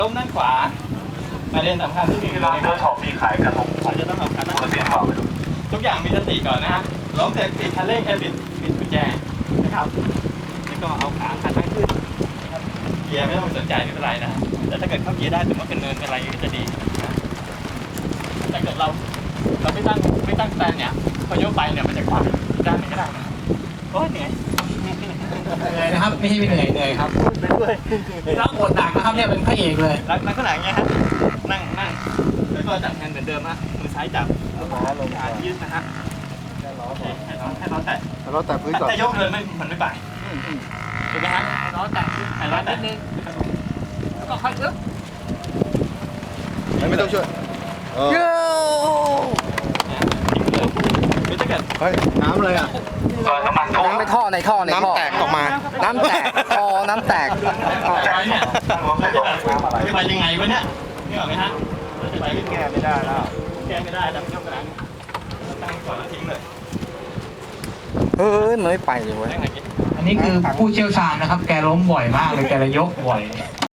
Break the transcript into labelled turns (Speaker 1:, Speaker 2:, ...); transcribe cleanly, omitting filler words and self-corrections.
Speaker 1: ล้มด้านขวาประเด็นสำคัญที่มีคือ
Speaker 2: ร้านเจ้าของมีขายกระทง
Speaker 1: เราจะต้องเอาขาตั้ง
Speaker 2: เสียงเปล่าไปดู
Speaker 1: ทุกอย่างมีสติก่อนนะฮะล้มเสร็จปิดคันเร่งแค่บิดกุญแจนะครับแล้วก็เอาขาตั้งขึ้นนะครับเกียร์ไม่ต้องสนใจไม่เป็นไรนะแต่ถ้าเกิดเข้าเกียร์ได้ถือว่าเป็นเนินเป็นอะไรก็จะดีนะแต่เกิดเราไม่ตั้งสแตนเนี่ยพอยกไปเนี่ยมันจะคว้าด้านไหนก็ได้นะโอ้ยเหนื่อย
Speaker 3: เหนื่อยนะครับไม่ใช่ไม่เหนื่อยครับ
Speaker 1: ไปด้วย
Speaker 3: รับบทหนักนะครับเนี่ยเป็นพระเอกเลย
Speaker 1: ลักษณะอย่างเงี้ยฮะนั่งแล้วก็จับแฮนด์เหมือนเดิมฮะมือซ้ายจับขายืดนะฮะให้ล้อแตะ
Speaker 4: เราแต่พื้นก่อน
Speaker 1: แต่ยกเลยมันไม่ไปถูกไหมฮะล้อแตะให้ล้อแตะนิดนึงแล้วก็ค่อยอึ๊บ
Speaker 4: ไม่ต้องช่วยเ
Speaker 1: คือถ้าเกิด
Speaker 4: ฮ้ยน้ำเลยอ่ะ
Speaker 2: น้ำมันท่วม
Speaker 5: น้ำในท่อในท่อ
Speaker 4: น้ำแตกออกมา
Speaker 5: น้ำแตกน้ำแตก
Speaker 1: ไปเนี่ยจะไปยังไงวะเนี่ยนี่ออกไหมฮะจะไปแก้ไม่ได้แล้วแก้ไม่ได้แต่ยกกระดานตั้งก่อนแล้วทิ้งเลย
Speaker 5: เฮ้ยมันไม่ไปเลยเว้ย
Speaker 1: ตั้งไหนกิน
Speaker 3: อันนี้คือผู้เชี่ยวชาญนะครับ แกล้มบ่อยมากเลยแกเลยยกบ่อย